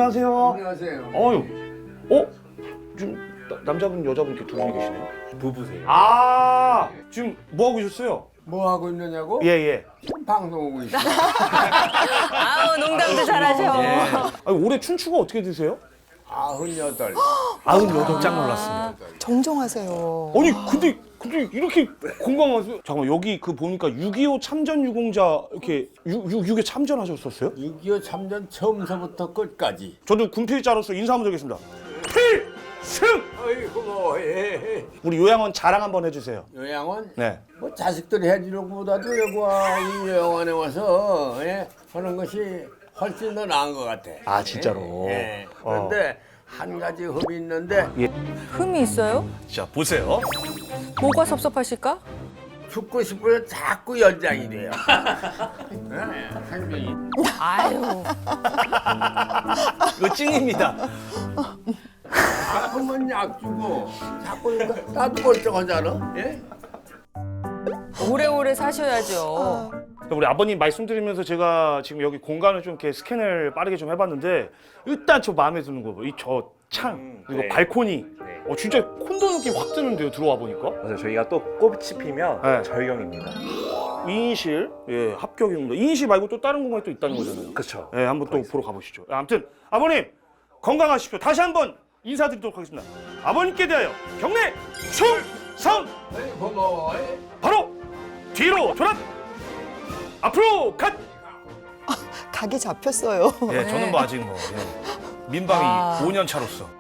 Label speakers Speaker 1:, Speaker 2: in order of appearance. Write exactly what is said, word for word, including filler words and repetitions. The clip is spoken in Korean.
Speaker 1: 안녕하세요.
Speaker 2: 안녕하세요.
Speaker 1: 어유, 어? 지금 나- 남자분 여자분 이렇게 두 분이 계시네요.
Speaker 3: 부부세요.
Speaker 1: 아, 지금 뭐 하고 있었어요?
Speaker 2: 뭐 하고 있느냐고?
Speaker 1: 예 예.
Speaker 2: 지금 방송하고 있어.
Speaker 4: 아우 농담도 잘하셔.
Speaker 1: 예. 아니, 올해 춘추가 어떻게 되세요?
Speaker 2: 아흔여덟.
Speaker 1: 아흔여덟. 짱 놀랐습니다.
Speaker 5: 정정하세요.
Speaker 1: 아니 근데 근데 이렇게 건강하세요? 잠깐만 여기 그 보니까 육이오 참전 유공자 이렇게 육이오 참전하셨었어요?
Speaker 2: 육이오 참전 처음서부터 끝까지.
Speaker 1: 저도 군필자로서 인사 한번 드리겠습니다. 필승!
Speaker 2: 아이고 뭐 예.
Speaker 1: 우리 요양원 자랑 한번 해주세요.
Speaker 2: 요양원
Speaker 1: 네.
Speaker 2: 뭐 자식들이 해주는 것보다도 여기와 이 요양원에 와서 예, 하는 것이 훨씬 더 나은 것 같아.
Speaker 1: 아 진짜로.
Speaker 2: 예. 그런데 한 가지 흠이 있는데
Speaker 4: 흠이 있어요?
Speaker 1: 자 보세요.
Speaker 4: 뭐가 섭섭하실까?
Speaker 2: 죽고 싶어서 자꾸 연장이 돼요. 예, 생명이.
Speaker 4: 아유.
Speaker 1: 이거 찡입니다.
Speaker 2: 아프면 약 주고 자꾸 이거 나도 멀쩡하잖아. 예?
Speaker 4: 오래오래 사셔야죠.
Speaker 1: 우리 아버님 말씀드리면서 제가 지금 여기 공간을 좀 이렇게 스캔을 빠르게 좀 해봤는데 일단 저 마음에 드는 거 이 저 창
Speaker 3: 음,
Speaker 1: 그리고
Speaker 3: 네.
Speaker 1: 발코니
Speaker 3: 네.
Speaker 1: 어 진짜 콘도 느낌 확 드는데요 들어와 보니까.
Speaker 3: 맞아요. 저희가 또 꽃이 피면
Speaker 1: 네.
Speaker 3: 절경입니다.
Speaker 1: 이인실 예 합격입니다. 이인실 말고 또 다른 공간이 또 있다는 거잖아요.
Speaker 3: 그렇죠.
Speaker 1: 예 한번 또 보러 가보시죠. 아무튼 아버님 건강하십시오. 다시 한번 인사드리도록 하겠습니다. 아버님께 대하여 경례 충성.
Speaker 2: 아이, 고마워. 예?
Speaker 1: 바로 뒤로 돌아 앞으로 갓.
Speaker 5: 각이 잡혔어요.
Speaker 1: 예 저는 뭐 아직 뭐 예. 민방위
Speaker 4: 아.
Speaker 1: 오 년 차로서